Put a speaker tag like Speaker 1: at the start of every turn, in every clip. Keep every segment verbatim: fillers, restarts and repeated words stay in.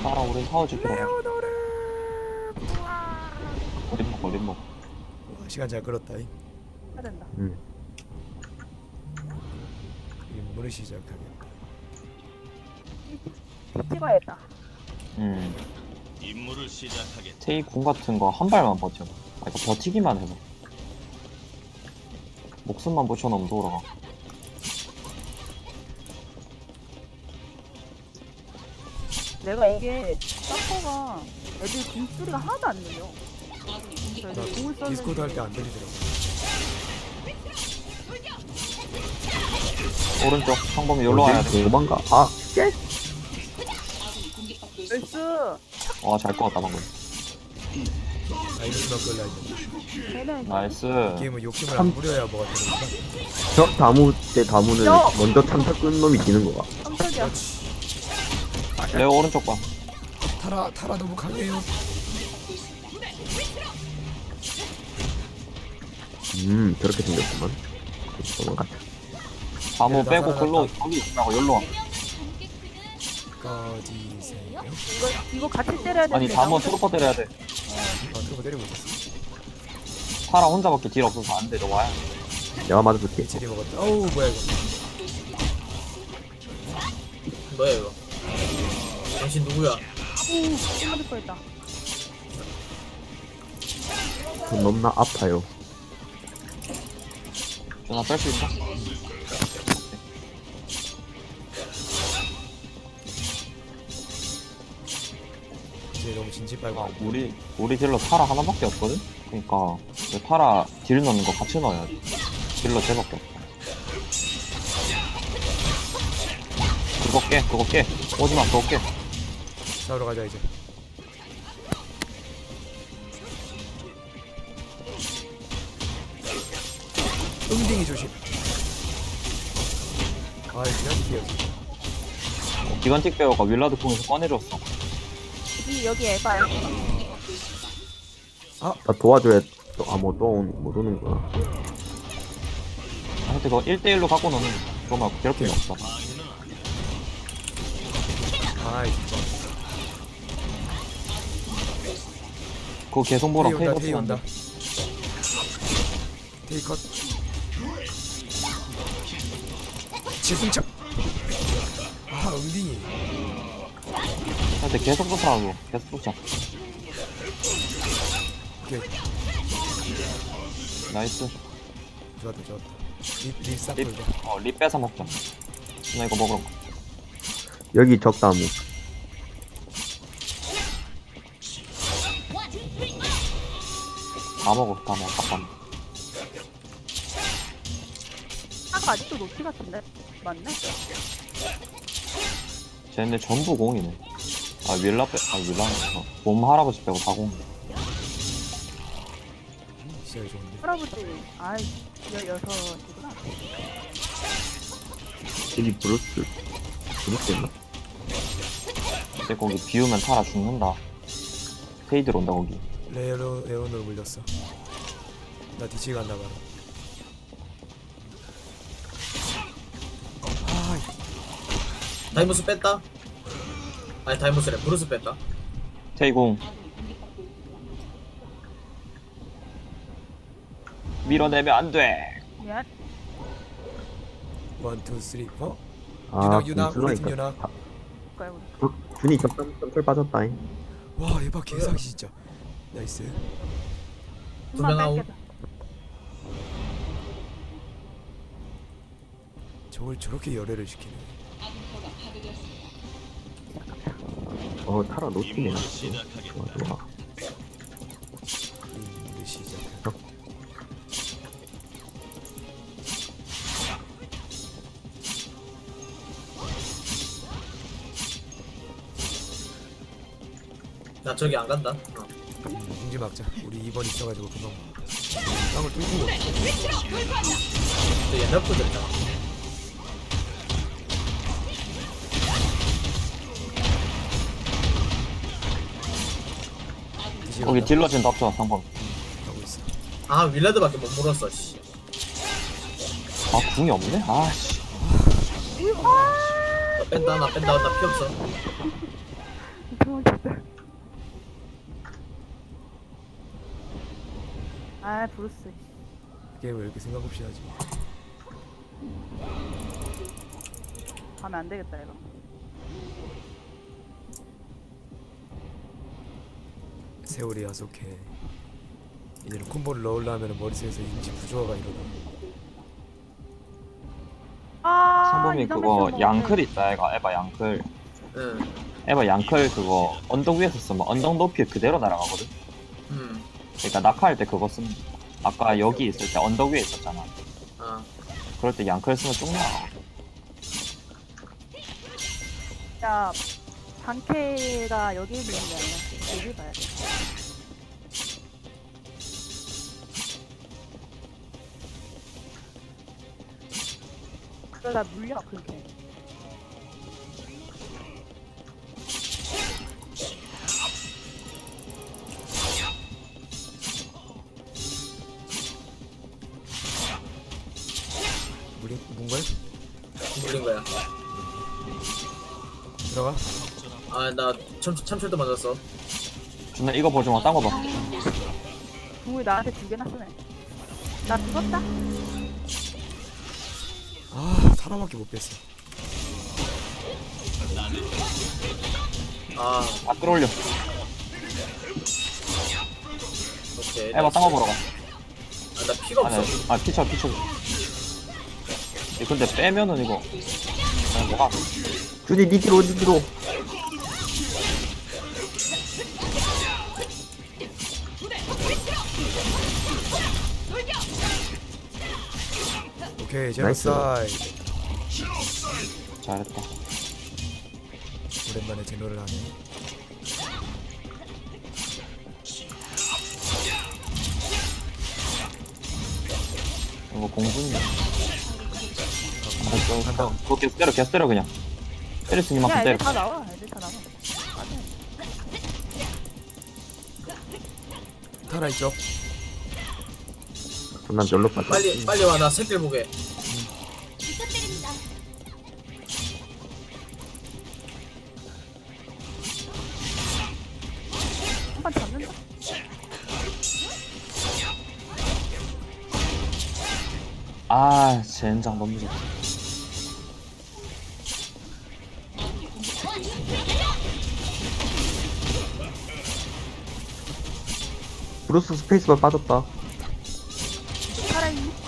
Speaker 1: 따라 우리 사오지 들어가.
Speaker 2: 레오노르.
Speaker 1: 어린 먹 어린 먹.
Speaker 2: 와, 시간 잘 끌었다. 이
Speaker 3: 해야 된다.
Speaker 4: 음.
Speaker 2: 임무를 시작하겠다.
Speaker 3: 찍어야겠다.
Speaker 1: 음.
Speaker 5: 임무를 시작하겠다.
Speaker 1: 테이 궁 같은 거 한 발만 버텨. 아 이거 버티기만 해봐. 목숨만 붙여놓으면 돌아가.
Speaker 3: 내가 이게 서퍼가 애들 굶소리가 하나도 안 들려. 그래서
Speaker 2: 나
Speaker 3: 애들 공을 썼는데
Speaker 2: 디스코드 할 때 안 들리더라고.
Speaker 1: 오른쪽 상범이 여기로 와야 돼.
Speaker 4: 도망가. 아, 쉣!
Speaker 3: 나이스.
Speaker 1: 와 잘 꺼왔다 방금.
Speaker 2: 나이스만 끌라 이제.
Speaker 3: 걔는
Speaker 1: 나이스.
Speaker 2: 게임은 욕심을 안 부려야 뭐가 되는구나.
Speaker 4: 저 다무 때 다무는
Speaker 3: 야!
Speaker 4: 먼저 참타 끈 놈이 지는 거가.
Speaker 3: 깜짝이야.
Speaker 1: 레오 오른쪽 봐.
Speaker 2: 타라 타라 너무 강해요.
Speaker 4: 음, 저렇게 생겼구만. 도망갔다.
Speaker 1: 다모
Speaker 2: 얘네 다
Speaker 1: 빼고
Speaker 2: 살아났다.
Speaker 1: 글로 거기 있으라고 여기로 와.
Speaker 2: 꺼지세요.
Speaker 3: 이거 이거 같이 때려야 되는데.
Speaker 1: 아니 다모
Speaker 3: 나오는-
Speaker 1: 트루퍼 때려야 돼.
Speaker 2: 아 들고 때리고 있었어.
Speaker 1: 사라 혼자밖에 딜 없어서 안 돼. 너 와야.
Speaker 4: 내가 맞아줄게.
Speaker 2: 체리 먹었다. 어우 뭐야 이거.
Speaker 6: 뭐야 이거? 당신 누구야?
Speaker 3: 오, 맞을 뻔했다.
Speaker 4: 좀 넘나 아파요.
Speaker 1: 전화 뺄 수 있어?
Speaker 2: 이제 너무 진지 빨고.
Speaker 1: 아, 우리 우리 딜러 타라 하나밖에 없거든. 그러니까 그 타라 딜 넣는 거 같이 넣어야 돼. 딜러 쟤밖에 없어. 그거 깨, 그거 깨. 오지마, 그거 깨.
Speaker 2: 싸우러 가자 이제. 응딩이 조심. 아 그냥 뛰어지.
Speaker 1: 어, 기관틱 배우가 윌라드 궁에서 꺼내줬어.
Speaker 3: 이 여기 에바야.
Speaker 4: 나 도와줘야 또, 아, 뭐, 또, 온- 못 오는구나.
Speaker 1: 아, 근데 그거 일 대일로 갖고 노는 그거 말고 괴롭힘이 없어.
Speaker 2: 아 진짜.
Speaker 1: 그거 계속 보라.
Speaker 2: 테이 온다 테이
Speaker 1: 페이버스
Speaker 2: 온다.
Speaker 1: 한다.
Speaker 2: 테이 컷. 지승차. 아 응딩이.
Speaker 1: 근데 계속 쫓아가고 계속 쫓아.
Speaker 2: 오케이
Speaker 1: 나이스.
Speaker 2: 좋았다 좋았다. 립립싹
Speaker 1: 립,
Speaker 2: 돌자.
Speaker 1: 어, 립 뺏어 먹자. 나 이거 먹으러 가.
Speaker 4: 여기 적다무.
Speaker 1: 다 먹어, 다 먹어, 다 먹어.
Speaker 3: 아까 아직도 노티 같은데? 맞네?
Speaker 1: 쟤네 전부 공이네. 아, 윌라 빼, 아, 윌라, 어, 몸 할아버지 빼고 다 공.
Speaker 2: 진짜 좋은데.
Speaker 3: 할아버지, 아이, 여, 여섯이구나.
Speaker 4: 여기 브루스. 브루스였나?
Speaker 1: 근데 거기 비우면 타라 죽는다. 페이드로 온다, 거기.
Speaker 2: 레오노 레오노로 물렸어. 나 뒤치 간다 바로. 아
Speaker 6: 다이모스 뺐다? 아니 다이모스래 브루스 뺐다.
Speaker 1: 테이공. 밀어내면 안 돼.
Speaker 3: 미안.
Speaker 2: 원, 투, 쓰리, 포.
Speaker 4: 아,
Speaker 2: 유낙, 유낙, 우리 팀
Speaker 4: 공수라니까.
Speaker 2: 유낙.
Speaker 4: 다-
Speaker 3: 거야, 우리.
Speaker 4: 주- 준이 적당 점철 빠졌다잉.
Speaker 2: 와 에바 개사기 진짜. 나이스.
Speaker 6: 두 명 아웃.
Speaker 2: 저걸 저렇게 열애를 시키네.
Speaker 4: 어, 타라 노티네.
Speaker 5: 임무를
Speaker 4: 좋아,
Speaker 5: 시작하겠다.
Speaker 4: 좋아.
Speaker 2: 임무를 시작.
Speaker 6: 나 저기 안 간다. 어.
Speaker 2: 공지 막자. 우리 이 번 있어가지고 금방. 땅을 뚫고.
Speaker 6: 저 옛날 분들이잖아.
Speaker 2: 뒤지고
Speaker 1: 거기
Speaker 2: 간다.
Speaker 1: 딜러진 납쳐, 상범.
Speaker 2: 하고 있어.
Speaker 6: 아 윌라드밖에 못 물었어. 씨.
Speaker 1: 아, 궁이 없네? 아, 씨.
Speaker 6: 나 뺀다 나 뺀다 나 피 없어.
Speaker 3: 저 아 브루스.
Speaker 2: 게임 왜 이렇게 생각 없이 하지?
Speaker 3: 가면 안 되겠다 이거.
Speaker 2: 세월이 야속해. 이제는 콤보를 넣으려면 머릿속에서 인지 부조화가 일어나.
Speaker 3: 아
Speaker 1: 상범이
Speaker 3: 이상한
Speaker 1: 그거
Speaker 3: 거
Speaker 1: 양클 있다 애가 에바 양클
Speaker 6: 응.
Speaker 1: 에바 양클 그거 언덕 위에서 쓰면 언덕 높이 그대로 날아가거든.
Speaker 6: 응.
Speaker 1: 그러니까 낙하할 때 그거 쓰면 아까 여기 있을 때 언덕 위에 있었잖아.
Speaker 6: 아.
Speaker 1: 그럴 때 양클 쓰면 쭉 나가.
Speaker 3: 야 방캐가 여기 있는 게 아니라 여기 봐야 돼. 그러다 물려 그게.
Speaker 2: 물이 뭔가요?
Speaker 6: 물린 거야.
Speaker 2: 들어가.
Speaker 6: 아, 나 참, 참철도 맞았어.
Speaker 1: 준아 이거 보지 마. 딴 거 봐.
Speaker 3: 궁을 나한테 두 개나 쓰네. 나 죽었다.
Speaker 2: 아 사람밖에 못 뺐어.
Speaker 6: 아,
Speaker 1: 다 끌어올려.
Speaker 6: 오케이.
Speaker 1: 에바 딴 거 보러 가.
Speaker 6: 아, 나 피가
Speaker 1: 아니,
Speaker 6: 없어.
Speaker 1: 아 피쳐 피쳐. 이 근데 빼면은 이거 그냥 뭐가
Speaker 4: 준이 니 뒤로 니 뒤로.
Speaker 2: 오케이
Speaker 4: 나이스.
Speaker 2: 제노사이드.
Speaker 1: 잘했다.
Speaker 2: 오랜만에 제노를 하네.
Speaker 1: 이거 공주님. 아, 저, 그거 계속 때려 계속 때려 그냥. 때릴 수 있는
Speaker 3: 야
Speaker 1: 만큼 때려.
Speaker 3: 애들 다 나와. 애들 다 나와.
Speaker 2: 타라 이쪽.
Speaker 4: 난 별로 빠져.
Speaker 6: 빨리, 빨리 와. 나 새끼를 보게.
Speaker 3: 한 번 잡는다.
Speaker 1: 아 젠장 너무 좋다.
Speaker 4: 브루스 스페이스만 빠졌다.
Speaker 3: 살아있니?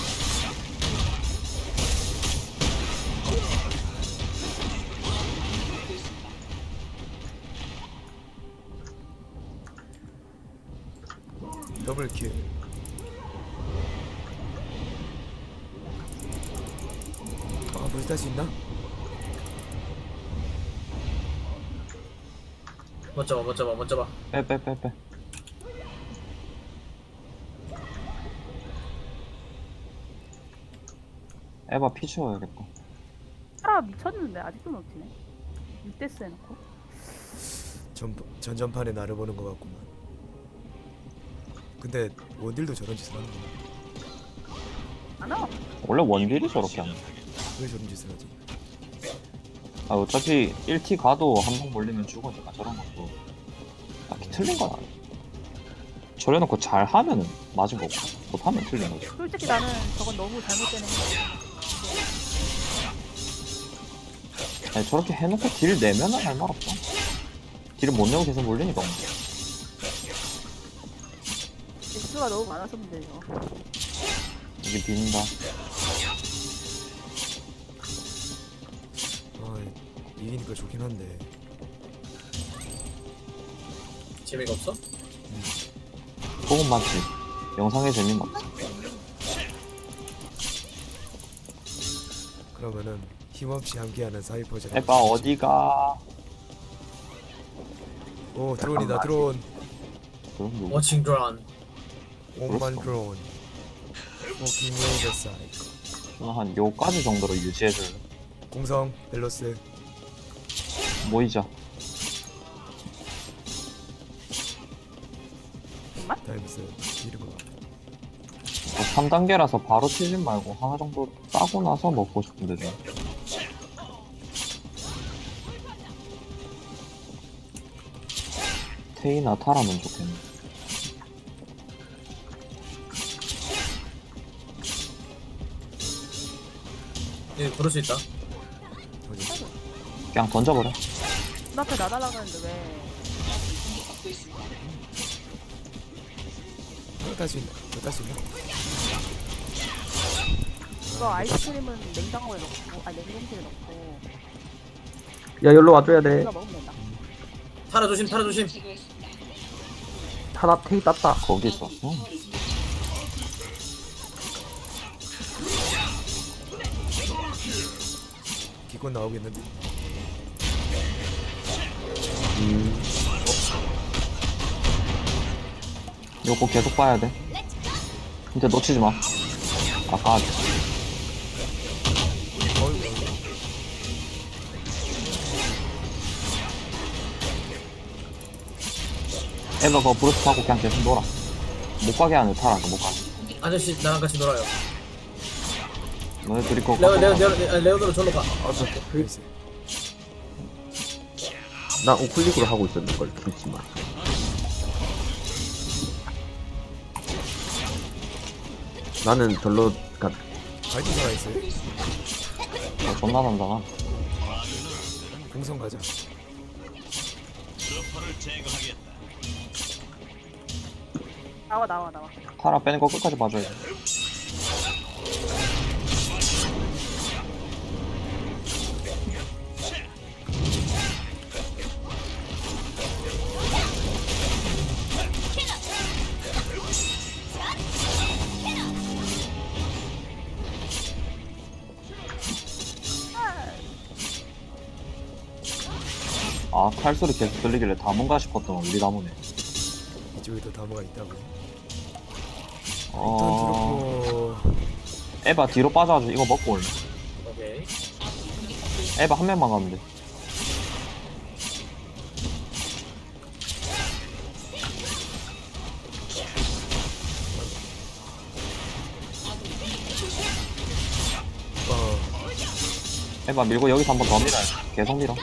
Speaker 2: 더블 킬. 아 벌써 탈 수 있나?
Speaker 6: 못 잡아, 못 잡아, 못 잡아.
Speaker 1: 빼 빼 빼 빼. 에바 피 채워야겠다.
Speaker 3: 살아 미쳤는데 아직도 놓치네. 육 대스 해놓고.
Speaker 2: 전 전전판에 나를 보는 것 같구만. 근데 원딜도 저런 짓을 하는 거야.
Speaker 3: 안 와.
Speaker 1: 원래 원딜이 저렇게 하는.
Speaker 2: 왜 저런 짓을 하지?
Speaker 1: 아 어차피 일 티 가도 한 번 몰리면 죽으니까 저런 것도 딱히 틀린 건 아니야. 저래놓고 잘 하면은 맞은 거고 못하면 틀린 거지.
Speaker 3: 솔직히 나는 저건 너무 잘못된 행동이야.
Speaker 1: 아니 저렇게 해놓고 딜 내면은 할 말 없어. 딜을 못 내고 계속 몰리니까.
Speaker 3: 개수가 너무 많아서 문제죠.
Speaker 1: 이게 빈다.
Speaker 2: 아 이기니까 좋긴 한데.
Speaker 6: 재미가 없어?
Speaker 1: 그건 맞지. 영상에 재미는 없어.
Speaker 2: 그러면은 힘없이 함께하는 사이퍼즈.
Speaker 1: 에바 어디가?
Speaker 2: 오 드론이다 드론.
Speaker 1: 그럼 누구?
Speaker 6: 워칭 드론.
Speaker 2: 오만
Speaker 1: 그렇소.
Speaker 2: 드론. 워킹 레이더 사이클.
Speaker 1: 한 요까지 정도로 유지해줄래?
Speaker 2: 공성 밸런스.
Speaker 1: 모이자.
Speaker 2: 타임스 이름을.
Speaker 1: 삼 단계라서 바로 치지 말고 하나 정도 따고 나서 먹고 싶은데 좀. 테이나 타라면 좋겠네.
Speaker 6: 예, 그럴 수 있다.
Speaker 2: 어디?
Speaker 1: 그냥 던져버려.
Speaker 3: 눈앞에 나달라고 했는데 왜?
Speaker 2: 이거 딸수 있나? 이거 딸수 있나?
Speaker 3: 이거 아이스크림은 냉장고에 넣고, 아 냉동실에 넣고
Speaker 4: 야 여기로 와줘야 돼.
Speaker 3: 이거 먹으면 된다.
Speaker 6: 타라 조심, 타라 조심.
Speaker 4: 타나 테이 땄다.
Speaker 1: 거기 있어. 응.
Speaker 2: 기권 나오겠는데?
Speaker 4: 음.
Speaker 1: 요거 계속 봐야 돼. 진짜 놓치지 마. 아까
Speaker 2: 어이구.
Speaker 1: 에바 그거 브루스 타고 그냥 계속 놀아. 못 가게 하는 타라. 못 가게.
Speaker 6: 아저씨 나랑 같이 놀아요.
Speaker 1: 너네 둘이 그거
Speaker 6: 레오, 레오,
Speaker 1: 갖고
Speaker 6: 레오, 레오, 레오도로 절로 가.
Speaker 2: 글쎄.
Speaker 4: 나 우클릭으로 하고 있었는 걸 김치만. 나는 절로 가.
Speaker 2: 파이팅 살아있어요?
Speaker 1: 가. 어, 존나 난다가.
Speaker 2: 공성 가자.
Speaker 5: 스퍼를 제거하겠다.
Speaker 3: 나와 나와 나와.
Speaker 1: 타라 빼는 거 끝까지 봐줘야 돼. 아, 칼소리 계속 들리길래 다문가 싶었더만 우리 나무네.
Speaker 2: 이쪽에도 다모가 있다고.
Speaker 1: 어...
Speaker 2: 일단 들었고.
Speaker 1: 에바 뒤로 빠져가지고 이거 먹고 올래.
Speaker 6: 오케이.
Speaker 1: 에바 한 명만 가면 돼.
Speaker 2: 어.
Speaker 1: 에바 밀고 여기서 한 번 더 밀어야 돼. 계속 밀어.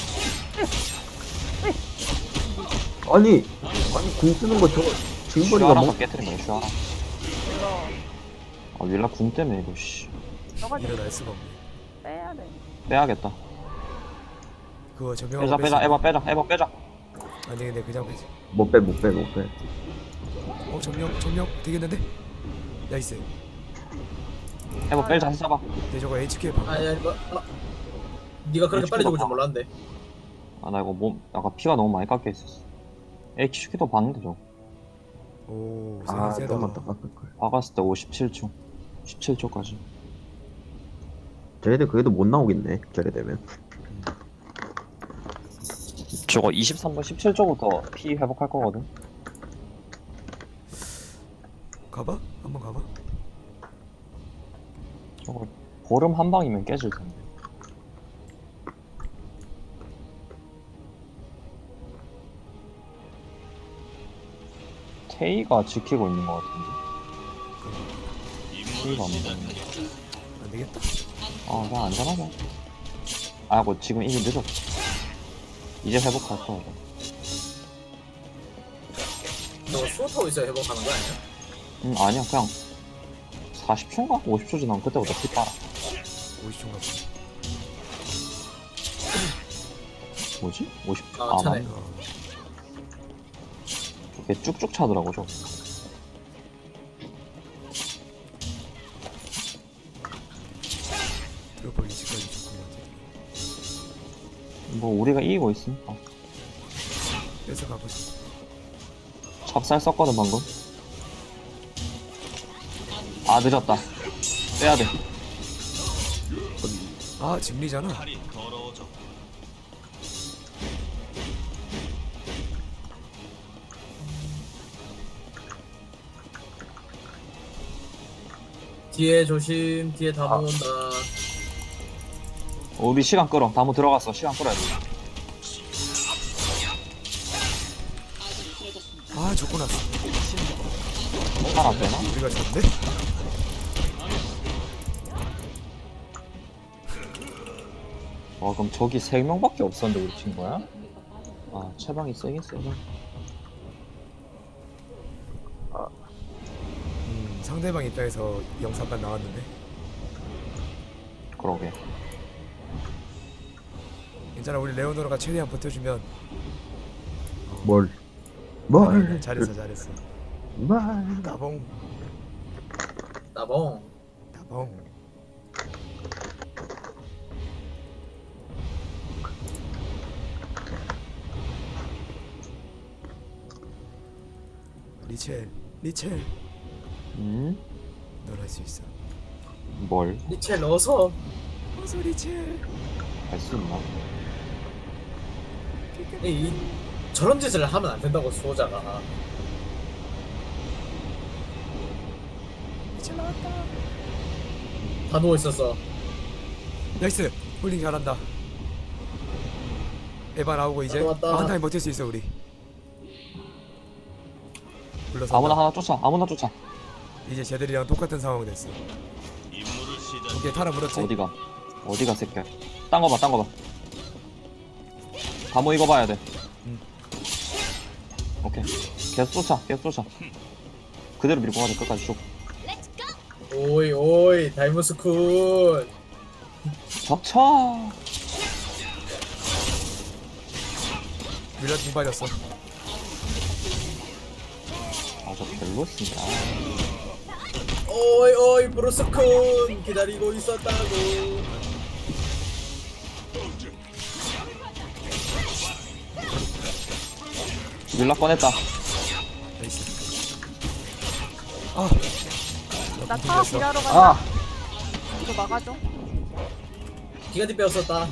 Speaker 4: 아니 아니 궁 쓰는 거 저거 징벌이가
Speaker 1: 슈아라서
Speaker 4: 뭐?
Speaker 1: 깨트린 거야, 슈아라.
Speaker 3: 이거
Speaker 1: 아, 윌라 궁 때문에 이거, 씨.
Speaker 3: 너가 좀
Speaker 2: 일어날 수가 없네.
Speaker 3: 빼야 돼.
Speaker 1: 빼야겠다.
Speaker 2: 그거 저명.
Speaker 1: 빼자, 빼자, 에바 빼자, 에바 빼자.
Speaker 2: 아니 근데 그냥 빼지.
Speaker 4: 못 빼 못 빼 못 빼.
Speaker 2: 어 점령 점령 되겠는데? 나이스.
Speaker 1: 에바 빼자, 해봐봐.
Speaker 2: 근데 저거 에이치케이 방.
Speaker 6: 아니, 아니, 뭐, 아, 네가 그렇게 빨리 죽을 줄 몰랐는데.
Speaker 1: 아, 나 이거 몸, 아까 피가 너무 많이 깎여 있었어. 에이, 키슈키도 봤는데, 저거.
Speaker 2: 오
Speaker 4: 아
Speaker 2: 세다.
Speaker 4: 좀만 더 깎을 걸.
Speaker 1: 박았을 때 오십칠 초. 십칠 초까지.
Speaker 4: 쟤네들 그래도 못 나오겠네. 저래 되면.
Speaker 1: 저거 이십삼 분 십칠 초부터 피 회복할 거거든.
Speaker 2: 가봐? 한번 가봐.
Speaker 1: 저거 보름 한 방이면 깨질 텐데. 테이가 지키고 있는 것 같은데.
Speaker 5: 임무를
Speaker 1: 테이가 안
Speaker 5: 시작하겠다.
Speaker 1: 보이네.
Speaker 2: 안 되겠다.
Speaker 1: 아, 그냥 안전하자. 아, 뭐 지금 이미 늦었어. 이제 회복할 거야.
Speaker 6: 저거 수호 타고 있어야 회복하는 거 아니야?
Speaker 1: 음, 아니야, 그냥 사십 초인가? 오십 초 지나면 그때부터 피 빨아.
Speaker 2: 오십 초인가 보네.
Speaker 1: 뭐지? 오십 초?
Speaker 6: 아,
Speaker 1: 아,
Speaker 6: 차네.
Speaker 1: 맞네.
Speaker 2: 어.
Speaker 1: 이게 쭉쭉 차더라고, 저거.
Speaker 2: 드롭볼 이십까지 좋구나.
Speaker 1: 뭐, 우리가 이기고 있으니까.
Speaker 2: 뺏어 가보자.
Speaker 1: 찹쌀 썼거든, 방금. 아, 늦었다. 빼야 돼.
Speaker 2: 아 진리잖아.
Speaker 5: 팔이 더러워져.
Speaker 6: 뒤에 조심, 뒤에 다
Speaker 4: 아.
Speaker 6: 모은다.
Speaker 1: 어, 우리 시간 끌어. 다무 들어갔어. 시간 끌어야 돼.
Speaker 2: 아 좋고 났어.
Speaker 1: 살안 되나?
Speaker 2: 우리가 졌네?
Speaker 1: 와, 그럼 저기 세 명밖에 없었는데 우리 팀 거야? 아, 채방이 세긴 세네.
Speaker 2: 음 상대방 입장에서 영상만 나왔는데.
Speaker 1: 그러게.
Speaker 2: 괜찮아 우리 레오노라가 최대한 버텨주면.
Speaker 4: 뭘?
Speaker 2: 아,
Speaker 4: 뭘?
Speaker 2: 잘했어 잘했어.
Speaker 4: 뭘?
Speaker 2: 따봉
Speaker 6: 나봉.
Speaker 2: 따봉. 리첼 리첼
Speaker 1: 음?
Speaker 2: 널 할 수 있어.
Speaker 1: 뭘?
Speaker 6: 리첼 넣어서.
Speaker 2: 어서 리첼.
Speaker 1: 할 수 있나?
Speaker 6: 이, 이 저런 짓을 하면 안 된다고 수호자가.
Speaker 2: 리첼 나왔다.
Speaker 6: 다 누워 있었어.
Speaker 2: 나이스. 홀링 잘한다. 에바 나오고 이제
Speaker 6: 왔다, 왔다.
Speaker 2: 한 타임 버틸 수 있어 우리. 불러서
Speaker 1: 아무나 하나 쫓아. 아무나 쫓아.
Speaker 2: 이제 쟤들이랑 똑같은 상황이 됐어.
Speaker 5: 임무를 시작.
Speaker 2: 오케이 타라 물었지.
Speaker 1: 어디가? 어디가 새끼야? 딴 거 봐. 딴 거 봐. 다모 이거 봐야 돼.
Speaker 2: 응.
Speaker 1: 오케이. 계속 쫓아. 계속 쫓아. 그대로 밀고 가자. 끝까지 쭉.
Speaker 6: 오이 오이 다이무스쿤.
Speaker 1: 덮쳐.
Speaker 2: 밀려 등 빠졌어.
Speaker 1: 아, 저 별로였습니다.
Speaker 6: 오이 오이 브루스쿤 기다리고 있었다고.
Speaker 1: 밀라 꺼냈다.
Speaker 2: 나이스. 아.
Speaker 3: 나
Speaker 2: 나
Speaker 3: 타워
Speaker 2: 튕겼어.
Speaker 3: 일하러 간다.
Speaker 1: 아!
Speaker 3: 이거 막아줘.
Speaker 6: 기가디 빼었었다.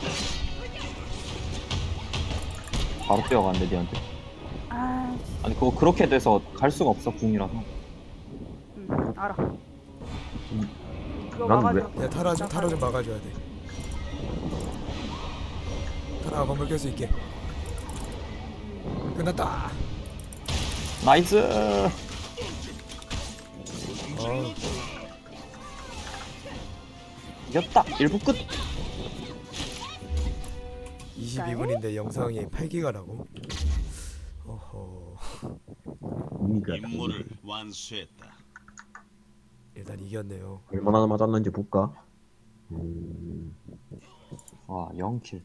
Speaker 1: 바로 뛰어가는데, 니한테.
Speaker 3: 아,
Speaker 1: 아니, 그거 그렇게 돼서 갈 수가 없어, 궁이라서.
Speaker 3: 응, 알아. 이거
Speaker 4: 난
Speaker 3: 막아줘.
Speaker 2: 야 타라 좀 타라 좀 막아줘야 돼. 타라가 건물 깰 수 있게. 끝났다.
Speaker 1: 나이스!
Speaker 2: 어.
Speaker 1: 이겼다! 일 부 끝!
Speaker 2: 이십이 분인데 영상이 팔 기가라고? 어허.
Speaker 4: 이가
Speaker 5: 임무를 완수했다.
Speaker 2: 일단 이겼네요.
Speaker 4: 얼마나 맞았는지 볼까? 음,
Speaker 1: 와, 영 킬.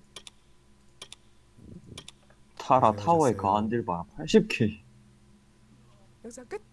Speaker 1: 타라 타워에
Speaker 2: 고생하셨어요.
Speaker 1: 가한 딜 봐. 팔십 킬.
Speaker 2: 영상 끝.